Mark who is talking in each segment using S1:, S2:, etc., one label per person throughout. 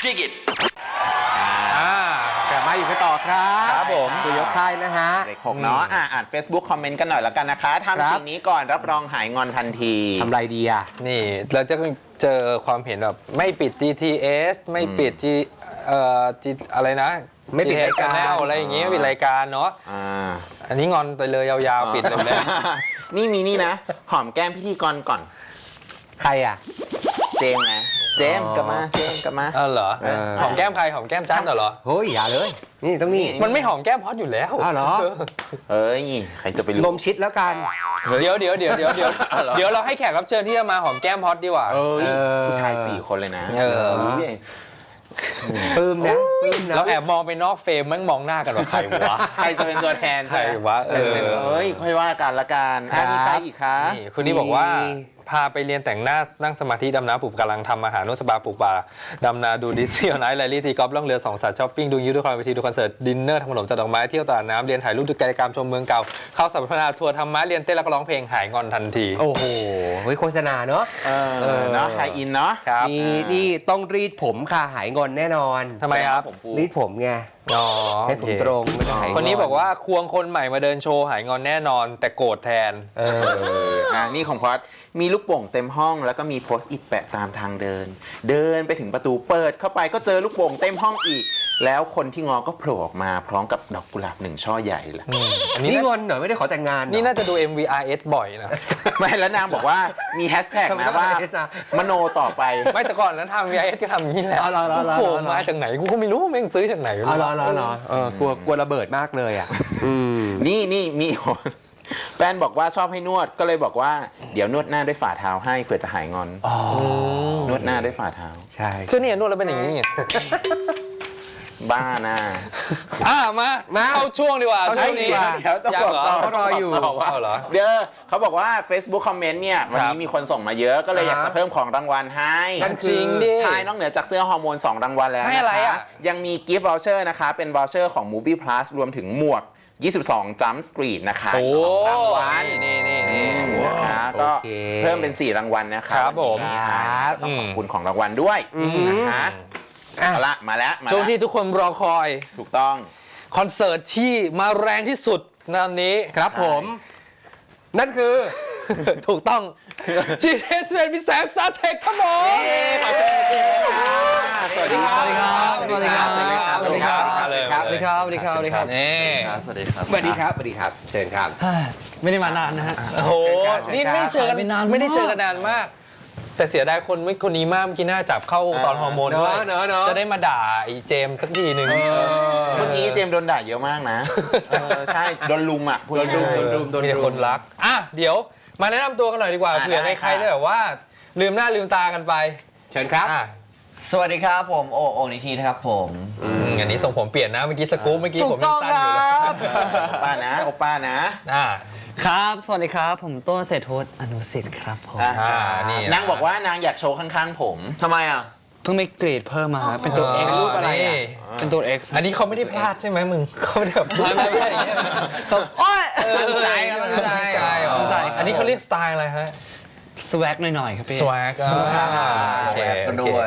S1: Dig it
S2: กลับมาอยู่กันต่อครับ
S3: ครับผม
S2: ตัวยกค่ายนะฮะ
S3: เลข 6 เนาะอ่าน Facebook คอมเมนต์กันหน่อยแล้วกันนะคะทำสิ่งนี้ก่อนรับรองหายงอนทันที
S2: ทำไรดีอ่ะ
S4: นี่เราจะเจอความเห็นแบบไม่ปิด GTS ไม่ปิด อะไรนะ
S2: ไม่ปิดรายการ
S4: GTS อะไรอย่างเงี้ยปิดรายการเนาะ อันนี้งอนไปเลยยาวๆปิดเลย
S3: นี่มีนี่นะ หอมแก้มพิธีกรก่อน
S2: ใครอ่ะ
S3: เจมส์ไงเจมส์กลับมาเจมส์กลับมา
S4: เหรอ หอมแก้มใครหอมแก้มจ้าเหรอ
S2: เฮ้ยอย่าเลย นี่ต้องนี่
S4: มันไม่หอมแก้มพอดอยู่แล้ว
S2: อ้าวเหรอ
S3: เอ้ยใครจะไปรู้
S2: ลมชิดแล้วกัน
S4: เดี๋ยวเราให้แขกรับเชิญที่จะมาหอมแก้มพอดดีกว่า
S3: ผู้ชาย4 คนเลยนะ
S2: ปลื้มนะปลื้มนะ
S4: เราแอบมองไปนอกเฟรมมั่งมองหน้ากันว่าใครวะ
S3: ใครจะเป็นตัวแทน
S4: ใครวะ
S3: เอ้ยค่อยว่ากันละกันมีใครอีกคะ
S4: นี่คุณนี่บอกว่าพาไปเรียนแต่งหน้านั่งสมาธิดำน้ำปลูกกำลังทำอาหารนวดสปาปลูกป่าดำนาดูดิสซี่ออนไลน์ไลลี่ตีกอล์ฟล่องเรือ2 สัตว์ช้อปปิ้งดูยูทูบคอนเวทีดูคอนเสิร์ตดินเนอร์ทำขนมจัดดอกไม้เที่ยวตลาดน้ำเรียนถ่ายรูปดูกิจกรรมชมเมืองเก่าเข้าสัมมนาทัวร์ธรรมะเรียนเต้นแล้วก็ร้องเพลงหายงอนทันที
S2: โอ้โหเฮ้ยโฆษณาเนาะ
S3: เนาะไทยอินเนาะ
S4: ครับ
S2: นี่ต้องรีดผมค่ะหายงอนแน่นอน
S4: ทำไมครับ
S3: ผมฟู
S2: รีดผมไง
S4: อ๋อ
S2: ให้ผมตรงไม่ต้องหายง
S4: คนนี้บอกว่าควงคนใหม่มาเดินโชว์หายงอนแน่นอน แต่โกรธแทน
S3: นี่ของพอดมีลูกโป่งเต็มห้องแล้วก็มีโพสต์อิทแปะตามทางเดิน เดินไปถึงประตูเปิดเข้าไปก็เจอลูกโป่งเต็มห้องอีก แล้วคนที่งอก็โผล่ออกมาพร้อมกับดอกกุหลาบ1 ช่อใหญ่ละ
S4: อัน
S2: นี่
S4: นี้
S2: งอนเหรอไม่ได้ขอแต่งงานเหรอ
S4: นี่น่าจะดู MVRS บ่อยนะ
S3: ไม่แล้วนางบอกว่ามีแฮชแท็กนะว่า มโนต่อไป
S4: ไม่แต่ก่อนนั้นทำ VRS ก็ทำอย่างนี้แหละ
S2: เอาเหรอ
S4: โอ้โหมาจากไหนกูก็ไม่รู้แม่งซื้อจากไหน
S2: อ๋อเหรอกลัวระเบิดมากเลยอ่ะ
S3: นี่ แฟนบอกว่าชอบให้นวดก็เลยบอกว่าเดี๋ยวนวดหน้าด้วยฝ่าเท้าให้เผื่อจะหายงอนนวดหน้าด้วยฝ่าเท้า
S2: ใช่
S4: คือเนี่ยนวดแล้วเป็นอย่างนี้ไง
S3: บ้านะ
S4: มาเข้าช่วงดีกว่า
S2: เข้าช่วงดีกว่า
S3: เดี๋ยวต้องบอกต่อ
S2: เขารออยู่
S3: ต่ว่า
S4: เอาเหรอ
S3: เดี๋ยวเขาบอกว่า Facebook คอมเมนต์เนี่ยวันนี้มีคนส่งมาเยอะก็เลยอยากจะเพิ่มของรางวัลให้
S2: นั่น
S4: จริงดิ
S3: ใช่นอกเหนือจากเสื้อฮอร์โมน2 รางวัลแล้ว
S4: ให้
S3: นะ
S4: อะไร
S3: คะ
S4: อ่ะ
S3: ยังมีกิฟต์วอลเชอร์นะคะเป็นวอลเชอร์ของ Movie Plus รวมถึงหมวก 22 Jump Street นะคะ
S4: โอ้
S3: อีก2 รางวัล
S4: นี่
S3: นะคะก็
S2: โอเค
S3: เพิ่มเป็น4 รางวัลนะคะ
S4: ครับผม
S3: วันนี้ต้องขอบคุณของรางวัลด้วยนะคะเอาละมาแล้ว
S4: ช่วงที่ทุกคนรอคอย
S3: ถูกต้อง
S4: คอนเสิร์ตที่มาแรงที่สุดในวันนี้
S2: ครับผม นั่นคือ
S4: ถูกต้อง GTS เป็นพิเศษซาเทคครับผม
S3: สวัสดีครับ
S2: สวัสดีครับ
S3: สวัสดีครับ
S4: สวัสดีครับ
S2: สวัสดีครับสวัสดีครับสวัสดีครับสวัสดีครับ
S4: นี่
S1: สวัสดีครับ
S2: สวัสดีครับสวัสดีครับเชิญครับ
S5: ไม่ได้มานานนะฮะ
S4: โอ้โห นี่ไม่ได้เจอกัน
S5: หายไปนานมาก
S4: ไม่ได้เจอกันนานมาก แต่เสียดายคนนี้มากเมื่อกี้น่าจับเข้าตอนฮอร์โมนด้วย
S2: เนอะ
S4: จะได้มาด่าไอ้เจมส์สักทีหนึ่ง
S3: เมื่อกี้เจมส์โดนด่าเยอะมากนะใช่โดนลุมอ่ะพูด
S2: โดนรุม
S3: ง่ายๆ
S2: โดน
S4: มีแต่คนรักเดี๋ยวมาแนะนำตัวกันหน่อยดีกว่า
S3: ได้
S4: เผื่อใคร
S3: ค่ะ
S4: ได้แบบว่าลืมหน้าลืมตากันไป
S2: เชิญครับ
S5: สวัสดีครับผมโอนิทีนะครับผม
S4: อันนี้ส่งผมเปลี่ยนนะเมื่อกี้สกู๊ปเมื่อกี้
S5: ถู
S4: ผ
S5: ก
S4: ม
S5: ต้
S4: ยั
S5: อง
S4: งสั้นอยู่เลย
S5: ครับ
S3: โอป้านะ
S5: ครับ สวัสดีครับ ผมต้นเศรษฐศอนุสิทธิ์ครับผม
S4: นี่
S3: นางบอกว่านางอยากโชว์ข้างๆผม
S5: ทำไมอ่ะ เพิ่งไปเกรดเพิ่มมาครับเป็นตัว X
S4: รูปอะไรอ่ะ
S5: เป็นตัว X
S4: อันนี้เขาไม่ได้พลาดใช่ไหมมึงเขาไม่ได้แบบ
S5: ไม่โอ้ยตั้งใจครับตั้งใจ
S4: ตั้งใจ
S5: ครับ
S4: อันนี้เขาเรียกสไตล์อะไรฮะ
S5: สวักหน่อยๆครับพี่
S4: สวากโอเค
S5: กันด้วย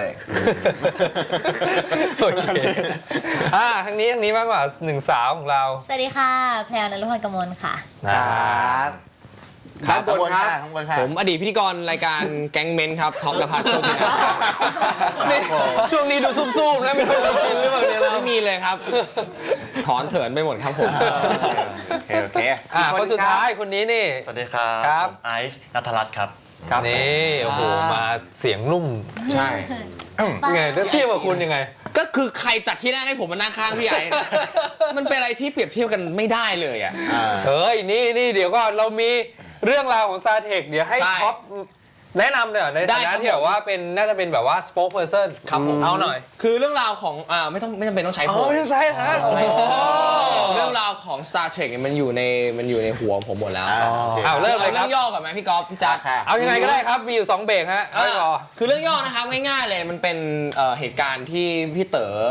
S4: โอเคทางนี้มากกว่าหนึ่งสาวของเรา
S6: สวัสดีค่ะ แพรวนฤพลกมลค่ะ
S3: ข้างบนค่ะข้างบนค่ะ
S7: ผมอดีตพิธีกรรายการแก๊งเมนครับท็อปนภัสโชคดีนะ
S4: ช่วงนี้ดูซุ่มๆนะไม่รู้จะกินหรือเปล่าเนี่ยเรา
S7: ไม่มีเลยครับ ถอนเถินไปหมดครับผม
S3: โอเค
S4: คนสุดท้ายคนนี้นี่
S1: สวัสดีครับ
S4: ครับ
S1: ผมไอซ์นัทรัตน์ครับ
S4: นี่โอ้โหมาเสียงนุ่ม
S7: ใช่
S4: ไงแล้วเทียบกับคุณยังไง
S7: ก็คือใครจัดที่นั่งให้ผมมานั่งข้างพี่ไอ้ มันเป็นอะไรที่เปรียบเทียบกันไม่ได้เลยอ่ะ
S4: เฮ้ยนี่เดี๋ยวก่อนเรามีเรื่องราวของซาเทคเดี๋ยวให้
S7: ใช่
S4: ท็อปแนะนำหน่อยใน
S7: ได้
S4: ฐา
S7: ครั
S4: นะ
S7: บ
S4: ที่แบบว่าเป็นน่าจะเป็นแบบว่า spokesperson
S7: ครับผม
S4: เอาหน่อย
S7: คือเรื่องราวของไม่จำเป็นต้องใช้ผม
S4: ไม่ใช่ฮะ
S7: เรื่องราวของ Star Trek เนี่ยมันอยู่ในหัวผมหมดแล้ว
S4: เอาเริ่มเลยค
S7: เรื่
S4: รั
S7: อบ งย่อก่อนไหมพี่ก๊อฟพี่จ๊า
S3: ค่ะ
S4: เอายังไงก็ได้ครับมีอยู่2เบรกฮะไม่รอ
S7: คือเรื่องย่อนะครับง่ายๆเลยมันเป็นเหตุการณ์ที่พี่เต๋อ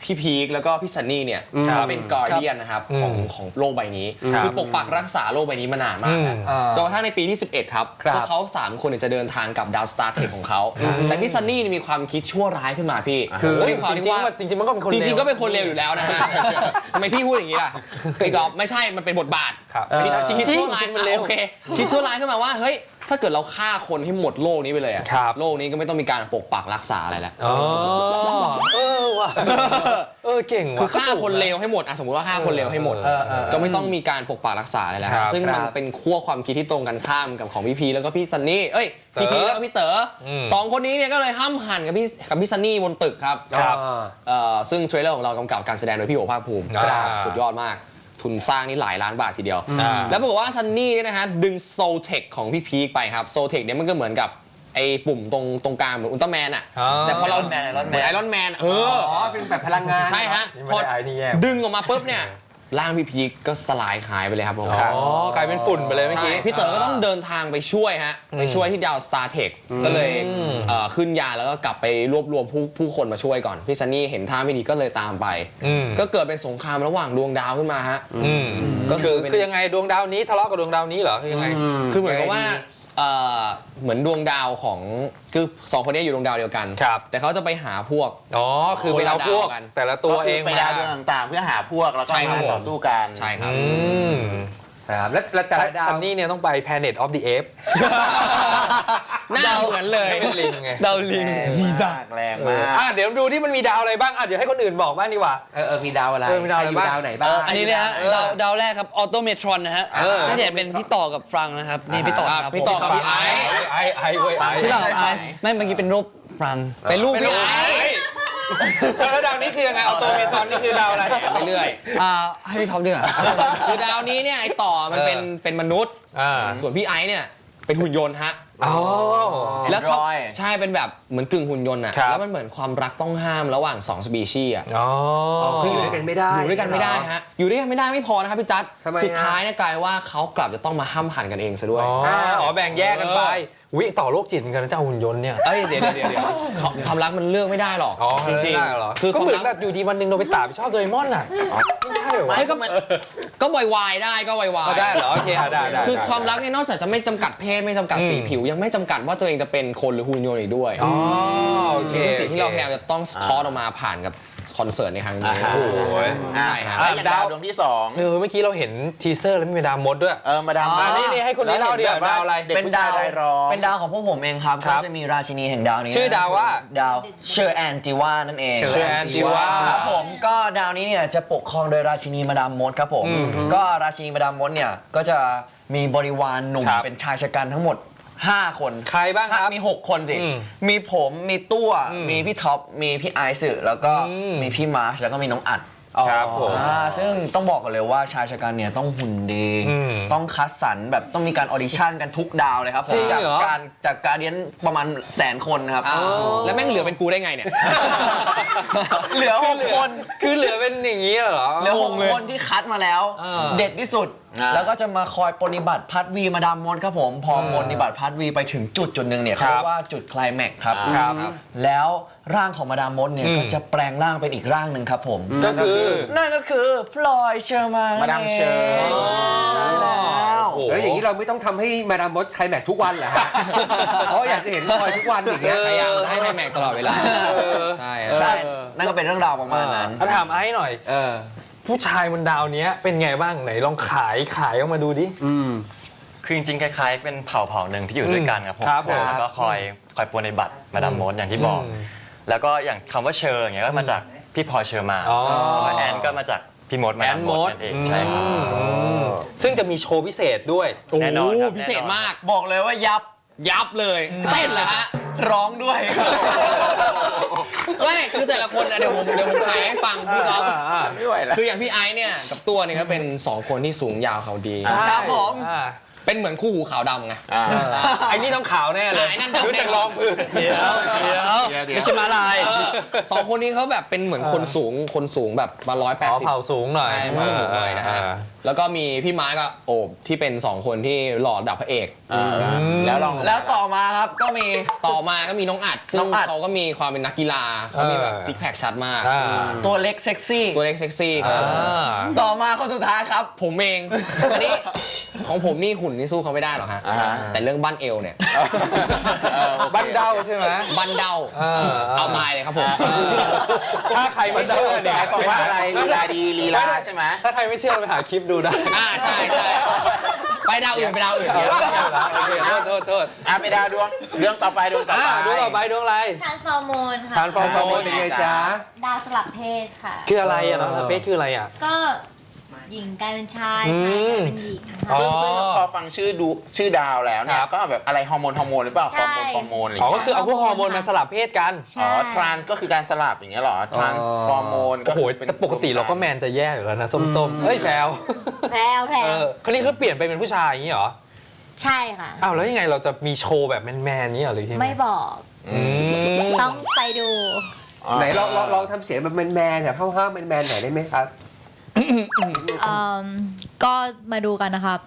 S7: พี่พีคแล้วก็พี่ซันนี่เนี่ยเขาเป็นกอร์เดียนนะครับของโลกใบนี้คือปกปักรักษาโลกใบนี้มานานมากแล้วจนกระทั่งในปีที่ 11 ครับพวกเขา3 คนจะเดินทางกับดาวสตาร์เทคของเขาแต่พี่ซันนี่มีความคิดชั่วร้ายขึ้นมาพี่ก็มีความที่ว่า
S4: จริงๆมันก็เป็นคน
S7: จริงๆก็เป็นคนเลวอยู่แล้วนะฮะทำไมพี่พูดอย่างนี้ล่ะพี่กอล์ฟไม่ใช่มันเป็นบทบาท คิดชั่วร้ายโอเคคิดชั่วร้ายขึ้นมาว่าเฮ้ยถ้าเกิดเราฆ่าคนให้หมดโลกนี้ไปเลยอะโลกนี้ก็ไม่ต้องมีการปกปักรักษาอะไรแล้ว
S4: ว่ะเก่งว่ะ
S7: คือฆ่าคนเลวให้หมดสมมติว่าฆ่าคนเลวให้หมดก็ไม่ต้องมีการปกปักรักษาอะไรแล้วซึ่งมันเป็นขั้วความคิดที่ตรงกันข้ามกับของพี่พีแล้วก็พี่ซันนี่พี่พีแล้วก็พี่เต๋อ2 คนนี้เนี่ยก็เลยห้ามหันกับพี่ซันนี่บนตึกครับซึ่งเทรลเลอร์ของเรากำกับการแสดงโดยพี่โอภาคภูมิสุดยอดมากทุนสร้างนี่หลายล้านบาททีเดียวแล้วปรากฏว่าซันนี่เนี่ยนะฮะดึงโซเทคของพี่พีคไปครับโซเทคเนี่ยมันก็เหมือนกับไอ้ปุ่มตรงกลางเหมือนอุลตร้าแมนอะแต่พอเราเหมือนไอรอนแมน
S2: เป็นแบบพลังงาน
S7: ใช่ฮะพอดึงออกมาปุ๊บเนี่ยร่างพี่พีคก็สลายหายไปเลยครับผม
S4: กลายเป็นฝุ่นไปเลยเมื่อกี้
S7: พี่เต๋อก็ต้องเดินทางไปช่วยฮะไปช่วยที่ดาวสตาร์เทคก็เลยขึ้นยาแล้วก็กลับไปรวบรวมผู้คนมาช่วยก่อนพี่ซันนี่เห็นท่าไม่ดีก็เลยตามไปก็เกิดเป็นสงครามระหว่างดวงดาวขึ้นมาฮะ
S4: ก็คือยังไงดวงดาวนี้ทะเลาะกับดวงดาวนี้เหรอคือยังไง
S7: คือเหมือนกับว่าเหมือนดวงดาวของคือ2 คนนี้อยู่ดวงดาวเดียวกันแต่เขาจะไปหาพวก
S4: คือไปเอาพวกแต่ละตัวเอง
S3: ไปดาวดวงต่างๆเพื่อหาพวกแล้วก็มาต่อสู้กัน
S7: ใช่ครับ
S2: ครับแล้วแต่ละดาว
S4: นี่เนี่ยต้องไป Planet of the Apes
S7: หน้าเหมือนเลย
S4: ลิงไง
S7: ดาวลิง
S3: ซีซ่าแรงมาก
S4: เดี๋ยวดูที่มันมีดาวอะไรบ้างเดี๋ยวให้คนอื่นบอกบ้างดีกว่า
S2: มีดาวอะไร
S4: มีดาวอะไรบ้าง
S2: ดาวไหนบ้าง
S5: อันนี้นะฮะดาวแรกครับออโตเมทรอนนะฮะน่าจะเป็นพี่ต่อกับฟรังนะครับนี่พี่ต่อครับ
S7: พี่ต่อกับพี่ไอ
S5: พี่ต่อกับไอไม่เมื่อกี้เป็นรูปฟรัง
S7: เป็นรูปพี่ไอ
S4: แล้วดาวนี้คือยังไงออโตเมทรอนนี่คือดาวอะไร
S7: ไปเรื่อย
S5: ให้พี่ท็อปดีกว่า
S7: คือดาวนี้เนี่ยไอต่อมันเป็นมนุษย์ส่วนพี่ไอเนี่ยเป็นหุ่นยนต์ฮะแล้วเขาใช่เป็นแบบเหมือนกึ่งหุ่นยนต์อ่ะแล้วมันเหมือนความรักต้องห้ามระหว่าง2 สปีชีส์อ่ะ
S2: ซึ่งอยู่ด้วยกันไม่ได้
S7: อยู่ด้วยกันไม่ได้ฮะอยู่ด้วยกันไม่ได้ไม่พอนะครับพี่จัดสุดท้ายเนี่ยกลายว่าเขากลับจะต้องมาห้ามหันกันเองซะด้วย
S4: แบ่งแยกกันไปต่อโรคจิตเหมือนกันนะเจ้าหุ่นยนต์เนี่ย
S7: เดี๋ยวความรักมันเลือกไม่ได้หรอกจริง
S4: ๆคือก็เหมือนแบบอยู่ดีวันหนึ่งโนบิตะไปชอบโดเรมอนอ่ะไม่ใช่หรอ
S7: ก็วายได้ก็วาย
S4: ได้เหรอโอเคได้
S7: คือความรักเนี่ยนอกจากจะไม่จำกัดเพศไม่จำกัดสีผิวยังไม่จำกัดว่าตัวเองจะเป็นคนหรือหุ่นยนต์อีกด้วย
S4: โอเค
S7: สิ่งที่เราพยายามจะต้องสะท้อนออกมาผ่านกับคอนเสิร์ตในครั้งนี้
S3: ใช่ฮะดาวดวงที่2
S4: เมื่อกี้เราเห็นทีเซอร์แล้วมีดาวมดด้วย
S3: มาดาว
S4: นี่ให้คนนี้เล่าดิดาวอะไร
S5: เป็นดาวของพวกผมเองครับก็จะมีราชินีแห่งดาวนี้
S4: ชื่อดาวว่า
S5: ดาวเชอร์แอนจิวานั่นเอง
S4: เชอร์แอนจิวา
S5: ครับผมก็ดาวนี้เนี่ยจะปกครองโดยราชินีมาดามมดครับผมก็ราชินีมาดามมดเนี่ยก็จะมีบริวารหนุ่มเป็นชายชะกันทั้งหมด5 คน
S4: ใครบ้างครับ
S5: มี6 คนสิมีผมมีตัวมีพี่ท็อปมีพี่ไอซ์แล้วก็มีพี่มาร์ชแล้วก็มีน้องอัด
S4: ครับผม
S5: ซึ่งต้องบอกกันเลยว่าชายชะกันเนี่ยต้องหุ่นดีต้องคัดสรรแบบต้องมีการออดิชั่นกันทุกดาวเลยครับจากการเรียนประมาณ100,000 คนครับ
S7: แล้วแม่งเหลือเป็นกูได้ไงเนี่ย
S5: เหลือ6 คน
S4: คือเหลือเป็นอย่างนี้เหรอ
S5: เหลือ6 คนที่คัดมาแล้วเด็ดที่สุดแล้วก็จะมาคอยปฏิบัติพัดวีมาดามมดครับผมพอปฏิบัติพัดวีไปถึงจุดหนึ่งเนี่ยเขาเรียกว่าจุดไคลแม็กซ์ครับแล้วร่างของมาดามมดเนี่ยก็จะแปลงร่างเป็นอีกร่างหนึ่งครับผม
S4: นั่น
S5: ก็คือพลอยเชอร์มาน
S3: มาดามเชอร์
S2: แล้วอย่างนี้เราไม่ต้องทำให้มาดามมดไคลแม็กซ์ทุกวันเหรอฮะเพราะอยากจะเห็นพลอยทุกวันอย่างเงี้ย
S7: พยายามให้ไคลแม็กซ์ตลอดเวลา
S5: ใช่นั่นก็เป็นเรื่องราวประมาณนั้น
S4: ถามไอ้หน่อยผู้ชายบนดาวนี้เป็นไงบ้างไหนลองขายออกมาดูดิ
S1: คือจริงๆคล้ายๆเป็นเผ่าหนึ่งที่อยู่ด้วยกันครับผมแล้วก็คอยปรนนิบัติมาดามมดอย่างที่บอกแล้วก็อย่างคำว่าเชอร์อย่างเงี้ยก็มาจากพี่พลอยเชอร์มานแอนก็มาจากพี่มดมาดามมดนั่นเองใช่ครับ
S4: ซึ่งจะมีโชว์พิเศษด้วย
S1: แน่นอน
S7: พิเศษมาก
S5: บอกเลยว่า
S7: ยับเลยเต้นเหรอฮะ
S5: ร้องด้วย
S7: ไม่คือแต่ละคนเดี๋ยวผมขายให้ฟังพี่ก๊อฟ
S3: ไม่ไหวแล้ว
S7: คืออย่างพี่ไอซ์เนี่ยกับตัวเนี่ยก็เป็น2 คนที่สูงยาวเขาดี
S5: ครับผม
S7: เป็นเหมือนคู่หูขาวดำไง
S4: ไอ้นี่ต้องขาวแน่เลยรู้จักรองพื้น
S5: เดี๋ยวไม่ใช่มาลาย
S7: 2 คนนี้เขาแบบเป็นเหมือนคนสูงแบบมา180
S4: เผาสูงหน่อย
S7: นะฮะแล้วก็มีพี่ม้ากับโอบที่เป็น2คนที่หล่อดับพระเอก
S3: แล้วลอง
S5: แล้วต่อมาครับก็มี
S7: ต่อมาก็มีน้องอัดซึ่
S5: น้
S7: ง
S5: องอัด
S7: เขาก็มีความเป็นนักกีฬาเขามีแบบซิกแพคชัดมาก
S5: ตัวเล็กเซ็กซี่
S7: ตัวเล็กเซ็กซี่ครับ
S5: ต่อมาคนสุดท้ายครับ
S7: ผมเองอันนี้ของผมนี่หุ่นนี่สู้เขาไม่ได้หรอกฮะ แต่เรื่องบั้นเอวเนี่ย
S4: บ้านเด้าใช่ไหม
S7: บั้นเดาเอาตายเลยครับผม
S4: ถ้าใครไม่เชื่อเนี่ย
S3: บอกว่าอะไรลีลาดีลีลาใช่ไหม
S4: ถ้าใครไม่เชื่อไปหาคลิปดูได้
S7: ใช่ใช่ไปดาวอื่นไปดาวอื่น
S4: โอเคโทษ
S3: ไปดาวดวงเรื่องต่อไปดวงต่อไป
S4: ดูต่อไปดวงอะไร
S6: ทานฟอร์โมนค่ะ
S4: ทานฟอร์โมน
S2: เป็นไงจ๊ะ
S6: ดาวสลับเพศค่ะ
S4: คืออะไรอะน้องเป๊กคืออะไรอะ
S6: ก็หญิงกลายเป็นชายชายกลายเป็นหญิง
S4: อ๋อ
S3: ซึ่งพอฟังชื่อดาวแล้วเนี่ย
S4: ครับ
S3: ก็แบบอะไรฮอร์โมนหรือเปล่าฮอร์โมนอะไรอย่าง
S4: อ๋อก็
S3: เงี้ย
S4: คือเอาพวกฮอร์โมนมาสลับเพศกัน
S6: ใช่
S3: ทรานส์ก็คือการสลับอย่างเงี้ยเหรอทรานส์ฟอร์โมนก็
S4: โอ้โหแต่ปกติเราก็แมนจะแย่อยู่แล้วนะส้มๆเฮ้ยแพรว
S6: แพรว
S4: คนนี้คือเปลี่ยนไปเป็นผู้ชายอย่างนี้เหรอ
S6: ใช่ค่ะ
S4: อ้าวแล้วยังไงเราจะมีโชว์แบบแมนๆนี้เหรอหรือยังไง
S6: ไม่บอก ต้องไปดู
S2: ไหนลองทำเสียงแบบแมนๆแบบห้าวๆแมนๆหน่อยได้ไหมครับ
S6: ก็มาดูกันนะครับ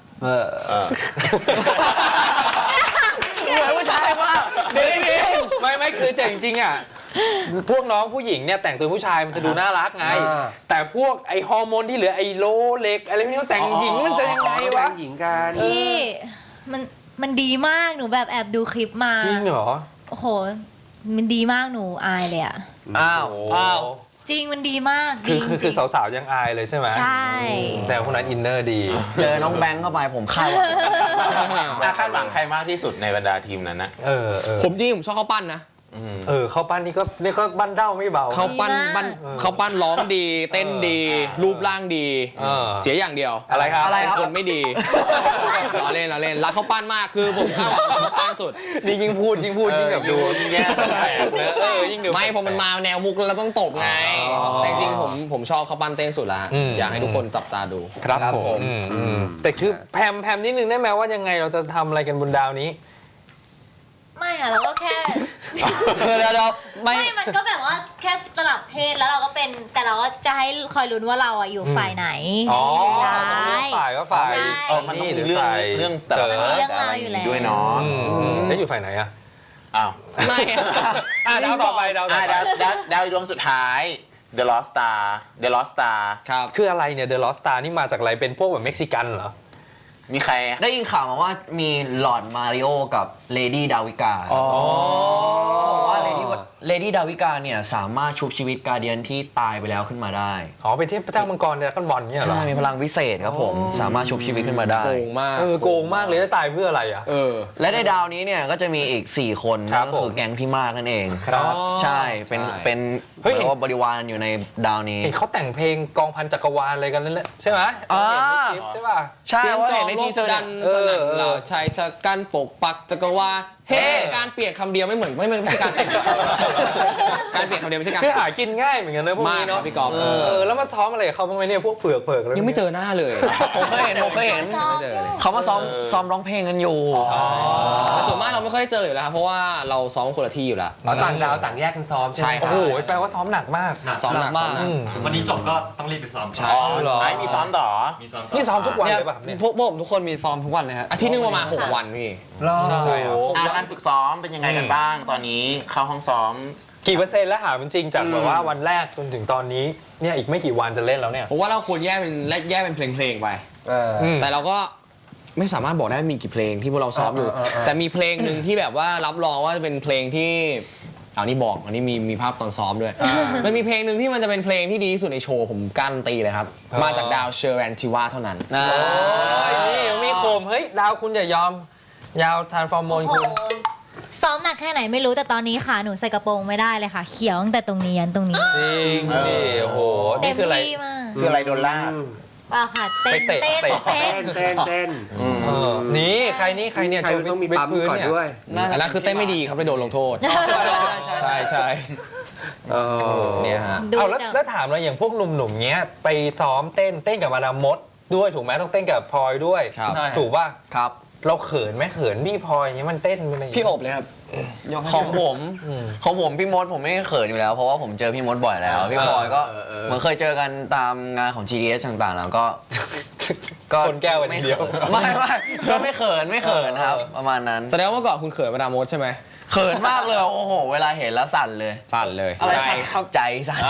S5: เหมือนผู้ชายมากดี
S4: ไม่คือแต่จริงๆอ่ะพวกน้องผู้หญิงเนี่ยแต่งตัวผู้ชายมันจะดูน่ารักไง แต่พวกไอฮอร์โมนที่เหลือไอโลเล็กอะไรพวกนี้เขาแต่งหญิงมันจะยังไงวะ
S2: หญิงกัน
S6: พี่มันดีมากหนูแบบแอบดูคลิปมา
S4: จริงเหรอ
S6: โอ้โห มันดีมากหนูอายเลยอะ
S5: อ้าว
S7: อ้าว
S6: จริงมันดีมากดีจ
S4: คื
S6: ริ
S4: อง สาวๆยังอายเลยใช่ไหม
S6: ใช่
S4: แต่คนนั้นอินเนอร์ดี
S5: เจอน้องแบงค์เข้าไปผมคาดหวัง
S3: คาดหวังใครมากที่สุดในบรรดาทีมนั้นนะ
S7: ผมจริงผมชอบข้าวปั้นนะ
S4: เข้าปั้นนี่ก็บ้านเด้าไม่เบา
S7: ข้าวปั้นข้าวปั้นร้องดี เต้นดี รูปร่างดี เสียอย่างเดียว
S4: อะไรครับ
S7: เป็นคนไม่ดีเราเล่นรักข้าวปั้นมากคือผมคาดหวังข้าวปั้นสุด
S4: นี่ยิ่งพูดยิ่งแบบดู
S3: ยิ่งแย่
S4: ยิ่งดู
S7: ไม่ผมมันมาแนวมุกแล้วต้องตบไง แต่จริงๆผมชอบข้าวปั้นเต้นสุดละอยากให้ทุกคนจับตาดู
S4: ครับผมแต่คือแพมนิดนึงได้ไหมว่ายังไงเราจะทำอะไรกันบนดาวนี้
S6: ไม่อะเราก็แค่
S5: เดี๋ยวไม่
S6: ไม่มันก็แบบว่าแค่สลับเพศแล้วเราก็เป็นแต่เราก็จะให้คอยลุ้นว่าเราอะอยู่ฝ่ายไหน
S4: อ๋อ
S6: ร้าย
S4: ฝ่ายก็ฝ่าย
S6: ใช่
S3: มันต้องมีเรื่องแต่ละ
S6: มันมีเรื่องราวอยู่แล้ว
S3: ด้วยเนาะ
S4: แล้วอยู่ฝ่ายไหนอะ
S3: อ้าว
S7: ไม่
S4: ดาวต่อไปดาวต่อไป
S3: ดาวดวงสุดท้าย The Lost Star
S7: ครับ
S4: คืออะไรเนี่ย The Lost Star นี่มาจากอะไรเป็นพวกแบบเม็กซิกันเหรอ
S3: มีใคร
S5: ได้ยินข่าวมาว่ามีหลอร์ดมาริโอกับเลดี้ดาวิกาบอกว่าเลดี้ดาวิกาเนี่ยสามารถชุบชีวิตการเดียนที่ตายไปแล้วขึ้นมาได้
S4: อ๋อเป็นเทพเจ้ามังกรดราก้อนบอลเนี่ยเหรอ
S5: ใช่มีพลังวิเศษครับผม สามารถชุบชีวิตขึ้นมาได้
S7: โกงมาก
S4: โกงมากเลยจะตายเพื่ออะไรอ่ะ
S5: และในดาวนี้เนี่ยก็จะมีอีก 4 คน
S4: ครั
S5: นั่
S4: บ
S5: นก็คือแก๊งพี่มากนั่นเอง
S4: ครับ
S5: ใช่เป็น
S7: ใช่
S5: เป็น
S4: เฮ้ย
S5: เรียกว่าบริวารอยู่ในดาวนี้
S4: เห็นเขาแต่งเพลงกองพันจักรวาลอะไรกันนั่นแหละใช่ไหม
S5: อ่า
S4: เห็นในคลิปใช่ป่ะ
S5: ใช่ว่าเห็นในทีเซอร์
S7: ดั
S5: เนี่ย
S7: นสนั่นเราชายชะกันปกปักจักรวาลเฮ้การเปลี่ยนคำเดียวไม่เหมือนไม่ใช่การแต่งการเปลี่ยนคำเดียวไม่ใช่การ
S4: คือหากินง่ายเหมือนกันนะพวก
S7: มาก
S4: นี้
S7: ครั
S4: เนาะ
S7: บพี่กอล์ฟ
S4: แล้วมาซ้อมอะไรกับเขาบ้างไหมเนี่ยพวกเผือกแล้ว
S7: ยังไม่เจอหน้าเลย
S5: ผมเคยเห็นเขามาซ้อมร้องเพลงกันอยู่
S7: แต่ส่วนมากเราไม่ค่อยได้เจออยู่แล้วครับเพราะว่าเราซ้อมคนละที่อยู่แล้ว
S2: ต่างดาวต่างแยกกันซ้อมใช่ไหม
S7: ใช่ค
S4: โอ้
S7: รับ
S4: โหแปลว่าซ้อมหนักมาก
S7: ซ้อมหนักมาก
S1: วันนี้จบก็ต้องรีบไปซ้อม
S7: ใช่
S4: เหรอ
S3: ใช่มีซ้อมต่อ
S1: มีซ้อม
S4: นี่ซ้อมทุกวันเลยป่ะเนี่ย
S7: พวกผมทุกคนมีซ้อมทุกวันเลยฮะอาทิตย์นึงประมาณ6 วันพี่ ใช่ครับ
S3: การฝึกซ้อมเป็นยังไงกันบ้าง ตอนนี้เข้าห้องซ้อม
S4: กี่เปอร์เซ็นต์แล้วหาเป็นจริงจากแบบว่าวันแรกจนถึงตอนนี้เนี่ยอีกไม่กี่วันจะเล่นแล้วเนี่ย
S7: ผมว่าเราควรแยกเป็นเพลงๆไป
S4: ม
S7: แต่เราก็ไม่สามารถบอกได้มีกี่เพลงที่พวกเราซ้อมอยู่ แต่มีเพลงหนึ่งที่แบบว่ารับรองว่าจะเป็นเพลงที่เอานี่บอกอันนี้มีภาพตอนซ้อมด้วย มันมีเพลงหนึ่งที่มันจะเป็นเพลงที่ดีที่สุดในโชว์ผมการันตีเลยครับ มาจากดาวเชอร์แรนทิวาเท่านั้น
S4: โอ้ยนี่มีโคมเฮ้ยดาวคุณอย่ายอม ยาวทานฟอร์โมนคุณ
S6: ซ้อมหนักแค่ไหนไม่รู้แต่ตอนนี้ค่ะหนูใส่กระโปรงไม่ได้เลยค่ะ เขียวตั้งแต่ตรงนี้ยันตรงนี้
S4: จริงดิโอ้โห
S6: เต็
S4: นี่
S6: ม
S4: คืออะไร
S6: ที่มาก
S3: คืออะไรโดนลาก
S6: เปล่าค่ะเต้น
S4: ไปเตะ
S6: เต้น
S4: เตะ
S6: เต้น
S2: เต้น
S4: นี่ใครเนี่ย
S2: ใครต้องมีปั๊มก่อนด้วย
S7: อันนั้นคือเต้นไม่ดีครับไปโดนลงโทษ ใช่ใช่เนี่ยฮะ
S6: ดู
S4: เอา
S6: จาก
S4: แล้วถามเราอย่างพวกหนุ่มๆเงี้ยไปซ้อมเต้นกับมาดามมดด้วยถูกไหมต้องเต้นกับพลอยด้วย
S7: ครับ
S4: ถูกป่ะ
S5: ครับ
S4: เราเขินไหมเขินพี่พลอยอย่างเงี้ยมันเต้นอะไรอย่าง
S7: พี่
S4: เงี้ย
S7: อบเลยครับ
S5: ของผมพี่มดผมไม่เขินอยู่แล้ว เพราะว่าผมเจอพี่มดบ่อยแล้ว พี่พลอยก็เหมือนเคยเจอกันตามงานของ GDS ต่างๆ แล้วก็
S4: ชนแก้วกันอย่างเดียว
S5: ไม่ก็ไม่เขินครับประมาณนั้น
S7: แสดงว่าเมื่อก่อนคุณเขินมาดามมดใช่ไหม
S5: เขินมากเลยโอ้โหเวลาเห็นแล้วสั่นเลย
S7: สั่นเลย
S5: อะไรสั่นครับใจสั่น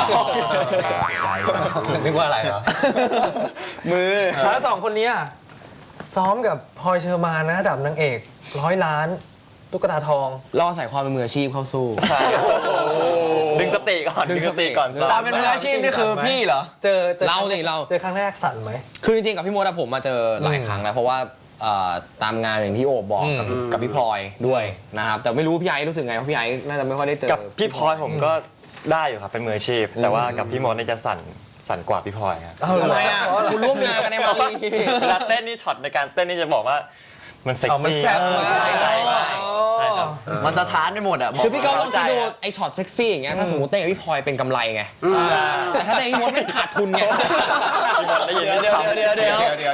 S4: นึกว่าอะไรเหรอ
S3: มือ
S4: แล้วสองคนเนี้ยซ้อมกับพลอยเชอร์มานนะระดับนางเอก100 ล้านตุ๊กตาทอง
S7: เราใส่ความเป็นมืออาชีพเข้าสู้
S1: ดึงสติก่อน
S7: ดึงสติ
S1: ก่อน
S5: ตามเป็นมืออาชีพนี่คือพี่เหรอ
S4: เจอ
S7: เราดิเรา
S4: เจอครั้งแรกสั่นไหม
S7: คือจริงๆกับพี่มดอะผมมาเจอหลายครั้งแล้วเพราะว่าตามงานอย่างที่โอบบอกกับพี่พลอยด้วยนะครับแต่ไม่รู้พี่ไอ้รู้สึกไงเพราะพี่ไอ้น่าจะไม่ค่อยได้เจอ
S1: กับพี่พลอยผมก็ได้อยู่ครับเป็นมืออาชีพ แต่ว่ากับพี่มดนี่จะสั่นกว่าพี่พลอยครับ
S7: ทำไมอ่ะคุณร่วมงานกันในมาลีนี่
S1: เวลาเต้นนี่ช็อตในการเต้นนี่จะบอกว่ามันเซ็ก
S4: เอามัน
S1: ซี่
S4: แซ่บ
S7: ใช่ใช่
S1: ใช่ครับ
S5: มันสะท้านไปหมดอ่ะ
S7: คือพี่ก้องลองคิดดู
S1: เข้าใจอะ
S7: ไอ้ช็อตเซ็กซี่อย่างเงี้ยถ้าสมมติเต้นกับพี่พลอยเป็นกำไรไงแต่ถ้าเต้นกับพี่มดไม่ขาดทุนไง
S1: พี่มดได้ยินไหม
S5: เดี๋ยว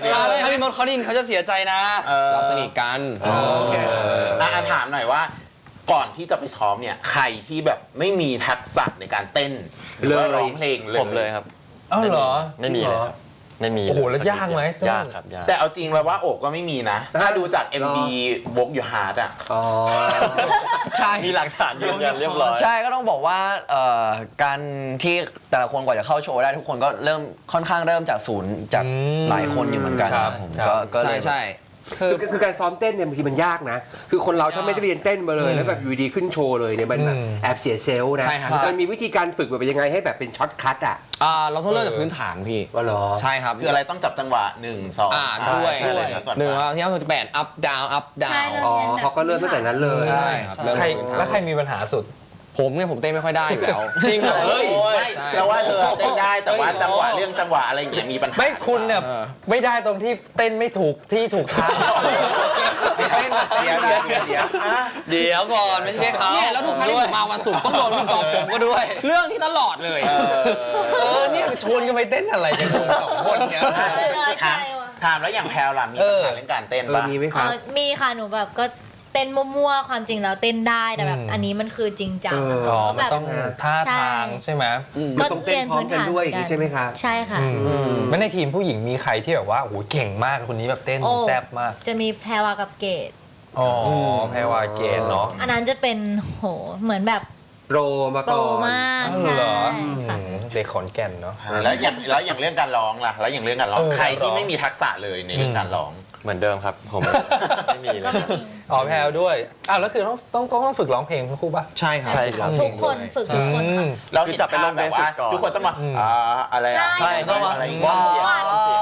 S8: ถ้าพี่มดเขาได้ยินเขาจะเสียใจนะ
S7: เราสนิทกัน
S3: ถามหน่อยว่าก่อนที่จะไปซ้อมเนี่ยใครที่แบบไม่มีทักษะในการเต้นหรือว่าร้องเพลงเลย
S1: ผมเลยครับ
S4: อ้าวเหรอ
S1: ไม่มีเลยครับไม่มี
S4: โอ้โหแล้วยากไหม
S1: ยากครับยาก
S3: แต่เอาจริงแล้วว่าโอบก็ไม่มีนะ ถ้าดูจาก MV Walk Your Heart อ่ะ
S5: ใช่
S1: มีหลักฐานยืนยันเรียบร้อย
S5: ใช่ก็ต้องบอกว่าการที่แต่ละคนกว่าจะเข้าโชว์ได้ทุกคนก็เริ่มค่อนข้างเริ่มจากศูนย์จากหลายคนอยู่เหมือนกัน
S4: ครับ
S5: ผม
S4: ครับ
S5: ก็เล
S7: ใช่
S5: ย
S7: ใช่
S2: คือการซ้อมเต้นเนี่ยบางทีมันยากนะ คือคนเราถ้าไม่ได้เรียนเต้นมาเลยแล้วแบบอยู่ดีขึ้นโชว์เลยเนี่ยมันแบบแอบเสียเซลล์นะ
S7: ใช่ครับ
S2: มันมีวิธีการฝึกแบบยังไงให้แบบเป็นช็อตคัทอ่ะ
S7: เราต้องเริ่มจากพื้นฐานพี่
S2: ว่าหรอ
S7: ใช่ครับ
S3: คืออะไรต้องจับจังหวะ 1 2 3
S7: ด้วย
S3: ใช่เลยก่อน
S7: หนึ่งเราที่เราจะแบน up down up
S6: ใช่
S7: down
S6: เรา
S2: อ๋อ
S6: เรียนแบบ
S2: เขาก็เริ่มตั้งแต่นั้นเลย
S7: ใช่ครับเริ่ม
S4: ใคร
S7: จากพื้นฐาน
S4: แล้วใครมีปัญหาสุด
S7: ผมเนี่ยผมเต้นไม่ค่อยได้อยู่แล้ว
S4: จริงเหรอ
S3: เฮ้ยไม่
S7: ใช่
S3: แล้วว่าเธอเต้นได้แต่ว่าจังหวะเรื่องจังหวะอะไรอย่างเงี้ยมีปัญหา
S4: ไม่คุณเนี่ยไม่ได้ตรงที่เต้นไม่ถูกที่ถูกทาง
S2: เต้นแบบเต้น
S3: เดี๋ยว
S2: ได้
S3: เดี๋ยวอ่ะ
S8: เดี๋ยวก่อนไม่ใช่เขา
S7: เนี่ยแล้วทุกครั้งที่ผมมาวันศุกร์ต้องโดนพี่กอล์ฟผมก็ด้วย เรื่องที่ตลอดเลย
S4: เนี่ยชวนกันไปเต้นอะไรกันคุณสองคนเนี่ย
S6: น้อยใจว่ะ
S3: ถามแล้วอย่างแพลวล่ะมีปัญหาเรื่องการเต้นปะ
S2: มีไหมครับ
S6: มีค่ะหนูแบบก็เต้นมั่วๆความจริงแล้วเต้นได้แต่แบบอันนี้มันคือจริงจัง
S4: อ๋อ
S6: ก็
S4: มั
S6: แบ
S4: น
S6: บ
S4: ต้องท่าทางใช่ไหม
S6: ก็
S2: ต้องเต้
S6: เรีย
S2: น
S6: น
S2: พร้อ
S6: พื้
S2: ม
S6: น
S2: กัน
S6: ฐาน
S2: ด้วยอย่างนี้ใช่ไหมครับ
S6: ใช่ค่ะ
S4: ไม่ในทีมผู้หญิงมีใครที่แบบว่าโอ้โหเก่งมากคนนี้แบบเต้น
S6: โอ้
S4: แซ่บมาก
S6: จะมีแพรวากับเกด
S4: อ๋อแพรวาเกณฑ์เนาะ
S6: อันนั้นจะเป็นโหเหมือนแบบ
S2: โปรมา
S6: โปร
S2: ก่อน
S6: มาก
S4: อ๋อ
S6: ใช่
S4: เหรอ
S6: ค่ะ
S4: เด็กขอนแก่นเนาะ
S3: แล้วอย่างเรื่องการร้องล่ะแล้วอย่างเรื่องการร้องใครที่ไม่มีทักษะเลยในเรื่องการร้อง
S1: เหมือนเดิมครับผม ไม่มีเล
S6: ก็
S1: ย
S6: ไม่มี
S4: อ๋อแพรวด้วยอ้าวแล้วคือต้องฝึกร้องเพลงทั้งคู่ป่ะ
S7: ใช่ครับ
S1: ใช่ครับ
S6: ทุกคนฝึกทุกคนค่ะ
S3: เรา
S1: คือ
S3: เห็น
S1: จับไปลง
S3: ภาพแบบว่า
S1: เบสิกก่อน
S3: ทุกคนต้องมาอะไรอ่ะ
S6: ใช่
S1: ต้องมา
S3: อะไร
S1: วอร์มเสียง
S6: วอร์ม
S1: วอร์มเสียง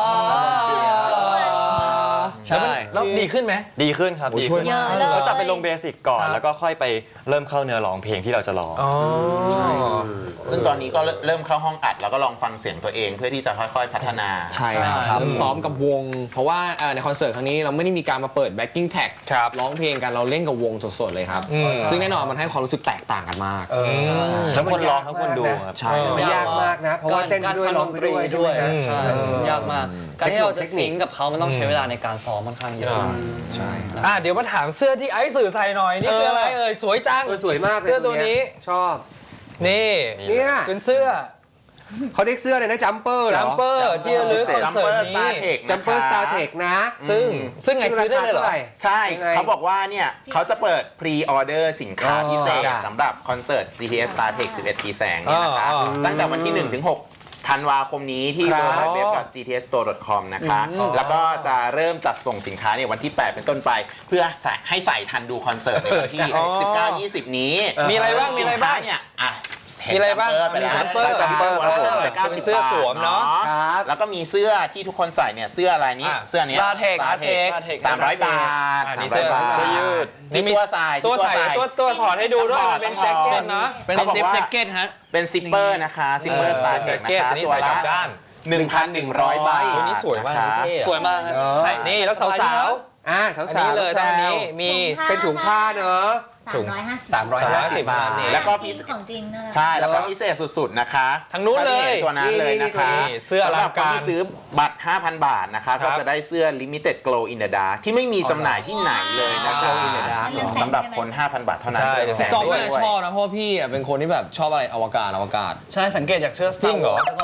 S5: ใช่
S4: แล้วดีขึ้นไหม
S1: ดีขึ้นครับดีขึ้น
S6: เยอะเลย
S1: เราจับไปลงเบสิกก่อน
S4: ครับ
S1: แล้วก็ค่อยไปเริ่มเข้าเนื้อร้องเพลงที่เราจะร้อง
S4: อ๋อ
S3: ซึ่งตอนนี้ก็เริ่มเข้าห้องอัดแล้วก็ลองฟังเสียงตัวเองเพื่อที่จะค่อยๆพัฒนา
S7: ใช่ครับเริ่มซ้อมกับวง เพราะว่าในคอนเสิร์ตครั้งนี้เราไม่ได้มีการมาเปิด backing track
S4: ครับ
S7: ร้องเพลงกันเราเล่นกับวงสดๆเลยครับ ซึ่งแน่นอนมันให้ความรู้สึกแตกต่างกันมาก
S1: ทั้งคนร้องทั้งคนดูครับ
S7: ใช่
S2: มันยากมากนะ เพราะว่าเต้นไปด้วยร้องไปด้วย
S8: ด้วย
S2: ใช่ไหม
S8: ใช่
S2: ครับ
S8: ยากมาก การที่เราจะสิงกับเขามันต้องใช้เวลาในการซ้อมค่อนข้างเยอะ
S7: ใช่
S4: เดี๋ยวมาถามเสื้อที่ไอซ์สื่อใส่หน่อยนี่เสื้ออะไรเอ่ยสวยจัง
S2: สวยมากลย
S4: เสื้อตัวนี้
S2: ชอบ
S4: นี่
S2: เนี่ย
S4: เป็นเสื้อ
S2: เขาเรียกเสื้อเลยนะจัมเปอร์เหรอ
S4: จัมเปอร์ที่ระลึกคอนเสิร์ต
S3: Jumper
S4: นี้
S3: Star Tech
S2: จัมเปอร์สตาร์เทคนะ
S4: ซึ่งไงซื้อได้เลยเหรอ
S3: ใช่
S2: ยังไง
S3: เขาบอกว่าเนี่ยเขาจะเปิดพรีออเดอร์สินค้าพิเศษ
S2: จ้ะ
S3: สำหรับคอนเสิร์ต GTS Star Tech 11 ปีแสงเนี่ยนะคะ ตั้งแต่วันที่ 1 ถึง 6 ธันวาคมนี้ที่ www.gtsstore.com นะคะ แล้วก็จะเริ่มจัดส่งสินค้าเนี่ยวันที่ 8 เป็นต้นไป เพื่อให้ใส่ทันดูคอนเสิร์ตในวันที่ 19-20 นี้
S4: มีอะไรบ้างมีอะไรบ้าง
S3: สินค้เนี่ยอ่ะเห็น
S4: มีอะไรบ้าง
S3: จัมเปอร์ไปแล้ว
S4: มีจัมเปอร์
S3: จัมเปอร์ครับผมจะ
S4: เป็น
S3: 90
S4: เสื้อบ
S3: าท
S4: สวมเนอะ
S2: ครับ
S3: แล้วก็มีเสื้อที่ทุกคนใส่เนี่ยเสื้ออะไรนี้
S4: อ่ะ
S3: เสื้อเนี้ย
S5: Star Tech
S3: Star Tech 300 บาท
S4: อันนี้เสื้อ
S3: 300 บาท
S4: เสื้อยืด
S3: ที่ตัวใส่
S4: ตัวใส่ตัวถอดให้ดูด้วยมันเป็นแจ็คเก็ตนะ
S8: เป็น
S3: เขาบอก
S8: ซิป
S3: ว่า
S8: แจ็คเก็ตฮะ
S3: เป็นซิปเปอร์นะคะซิปเปอร์สตาร์เทค
S4: แจ็
S3: นะ
S4: ค
S3: คะ
S4: เก็ต
S3: ตัว
S4: อันนี้ใส่กลั
S3: ละ
S4: บด้าน
S3: 1,100 บาท
S4: ตัวนี้สวยมาก
S3: นะคะ
S4: เท่อะ
S8: สวยมากฮะ
S4: ใส่นี่แล้วสาว
S2: สาว
S4: ๆ
S2: ๆ
S4: อันนี้เลย
S2: แพร
S4: ตอน
S2: ว
S4: นี้มี
S2: เป็นถุงผ้าเนอะ
S6: 350
S2: บาท
S4: นี่
S3: แล้วก็พิเศษ
S6: ของจริงนั่นแหละ
S3: ใช่แล้วก็พิเศษสุดๆนะคะ
S4: ทางนู้นเลย
S3: ถ้าที่ห็ตัวนั้นเลยนะคะ
S4: นี่เสื้ออ
S3: สำ
S4: ลั
S3: หรั
S4: ง
S3: บ
S4: การ
S3: คนที่ซื้อบัตร 5,000 บาทนะคะ
S4: ครั
S3: ก็
S4: บ
S3: จะได้เสื้อ Limited Glow in the Dark ที่ไม่มีจำหน่ายที่ไหนเลยนะคะ
S2: Glow in the Dark
S6: เรื่องแสง
S3: สำหรับ
S6: ใช่ไหม
S3: คน 5,000 บาทเท่านั้น
S4: ใช่
S3: แสง
S7: กอล์ฟ
S3: ด้ว
S7: น่าย จะชอบนะเพราะว่าพี่เป็นคนที่แบบชอบอะไรอวกาศ
S8: ใช่สังเกตจากเสื้อ
S4: จริงเหรอ
S8: Star Wars แล้วก็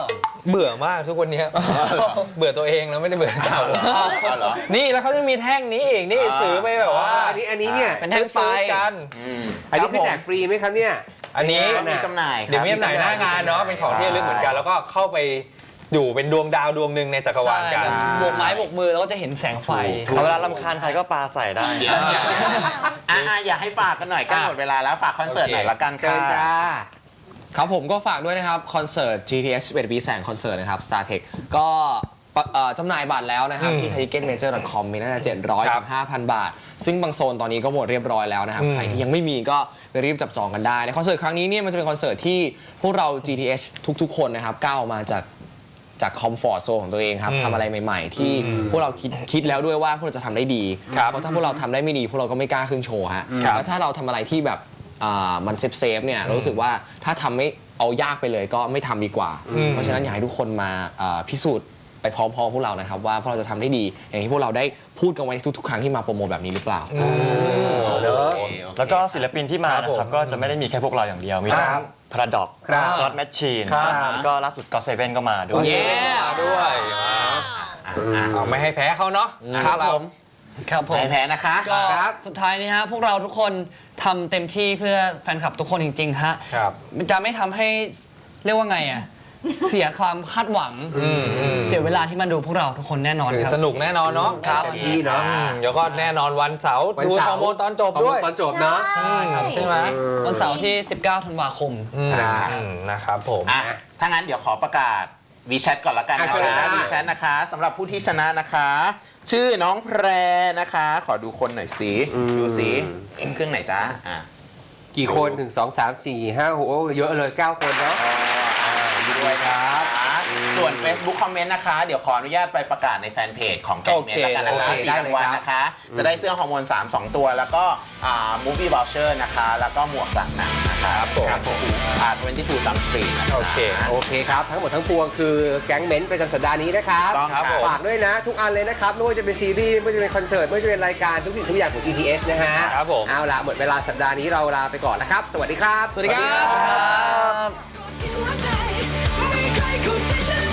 S4: เบื่อมากทุกวันนี้ เบื่อตัวเองแล้วไม่ได้เบื่อเขา
S3: เหรอ
S4: นี่แล้วเขาจะมีแท่งนี้อีกนี่ซื้อไปแบบว่า
S2: อันนี้เนี่ย
S5: เป็นแท่งไฟ
S4: ซื้อกัน
S2: อันนี้คือแจกฟรีไหมครับเนี่ย
S4: อันนี้
S3: มีจำหน่ายครับ
S4: เดี๋ยวมีจำหน่ายหน้างานเนาะเป็นของที่ระลึกเหมือนกัน แล้วก็เข้าไปอยู่เป็นดวงดาวดวงหนึ่งในจักรวาลกัน
S8: บวกไม้บวกมือแล้วก็จะเห็นแสงไฟ
S1: เอาเวลารำคาญใครก็ปาใส่ได้
S3: อยากให้ฝากกันหน่อยใกล้หมดเวลาแล้วฝากคอนเสิร์ตหน่อยละกัน
S2: เชิญจ้า
S7: ครับผมก็ฝากด้วยนะครับ คอนเสิร์ต GTS 11 ปีแสงคอนเสิร์ตนะครับ StarTech ก็จำหน่ายบัตรแล้วนะครับ ที่ ticketmajor.com มีตั้งแต่700 ถึง 5,000 บาท ซึ่งบางโซนตอนนี้ก็หมดเรียบร้อยแล้วนะครับ ใครที่ยังไม่มีก็ไปรีบจับจองกันได้ในคอนเสิร์ตครั้งนี้เนี่ยมันจะเป็นคอนเสิร์ตที่พวกเรา GTS ทุกๆ คนนะครับก้าวออกมาจากคอมฟอร์ตโซนของตัวเองครับทำอะไรใหม่ๆ ที่พวกเราคิดแล้วด้วยว่าพวกเราจะทำได้ดี เพราะถ้าพวกเราทำได้ไม่ดีพวกเราก็ไม่กล้าขึ้นโชว์ฮะแล้วถ้าเราทำอะไรที่แบบมันเซฟเนี่ยรู้สึกว่าถ้าทำไม่เอายากไปเลยก็ไม่ทำดีกว่า เพราะฉะนั้นอยากให้ทุกคนมาพิสูจน์ไปพร้อมๆพวกเรานะครับว่าพวกเราจะทำได้ดีอย่างที่พวกเราได้พูดกันไว้ในทุกๆครั้งที่มาโปรโมทแบบนี้หรือเปล่า
S1: แล้วก็ศิลปินที่มานะครับก็จะไม่ได้มีแค่พวกเราอย่างเดียว มีทั้งพาราดอก
S2: ครับ
S1: ซอสแมชชีนแล้วก็ล่าสุดก็เซเว่นก็มาด้วย
S7: เย้
S4: ด้วยเอาไม่ให้แพ้เขาเนาะ
S5: ครับผม
S8: ครับผม
S3: ไม่แพ้นะคะ
S8: ก็สุดท้ายนี้ฮะพวกเราทุกคนทำเต็มที่เพื่อแฟนคลับทุกคนจริงๆฮะ
S4: ครับ
S8: จะไม่ทำให้เรียกว่าไงอ่ะ เสียความคาดหวัง เสียเวลาที่มาดูพวกเราทุกคนแน่นอนครับ
S4: สนุกแน่นอนเนาะ
S8: ครับ
S2: เต็มที่เนาะ
S4: เดี๋ยวก็แน่นอนวันเสาร์ดูฮอร์โมนตอนจบด้วย
S2: ตอนจบเนาะ
S6: ใช่
S4: ใช่ไหม
S8: วันเสาร์ที่ 19 ธันวาคม
S3: ใช่ครับ
S4: นะครับผม
S3: ถ้างั้นเดี๋ยวขอประกาศวีแชทก่อนละกันนะ
S2: เชิญเลย
S3: คะ
S2: จ้า
S3: วีแชทนะคะสำหรับผู้ที่ชนะนะคะ ชื่อน้องแพรนะคะ ขอดูคนหน่อยสิดูสิเครื่องไหนจ้า
S2: กี่คน1 2 3 4 5 6เยอะเลย 9 คนเนาะ
S3: ดีด้วยครับ ส่วน Facebook คอมเมนต์นะคะ เดี๋ยวขออนุญาตไปประกาศในแฟนเพจของแกงเมนแล้วกันนะคะ
S2: โอเคได้
S3: 4
S2: เลย
S3: รางวัล
S2: ครับ
S3: นะคะ จะได้เสื้อฮอร์โมน 2 ตัว แล้วก็Movie Voucher นะคะ แล้วก็หมวกจากหนังนะคะ22 Jump Street นะคะ
S4: โอเค
S2: โอเคครับ ทั้งหมดทั้งปวงคือแก๊งเม้นท์ประจำสัปดาห์นี้นะครับ
S3: ต้องครับ
S2: ฝากด้วยนะทุกอันเลยนะครับไม่ว่าจะเป็นซีรีส์ไม่ว่าจะเป็นคอนเสิร์ตไม่ว่าจะเป็นรายการทุกสิ่งทุกอย่างของ GTS นะฮะ
S4: ครับผม
S2: เอาละหมดเวลาสัปดาห์นี้เราลาไปก่อนนะครับ สวัสดีครับ
S8: สวัสดีครับ
S9: กินหัวใจไม่เคยคุ้นที่ฉัน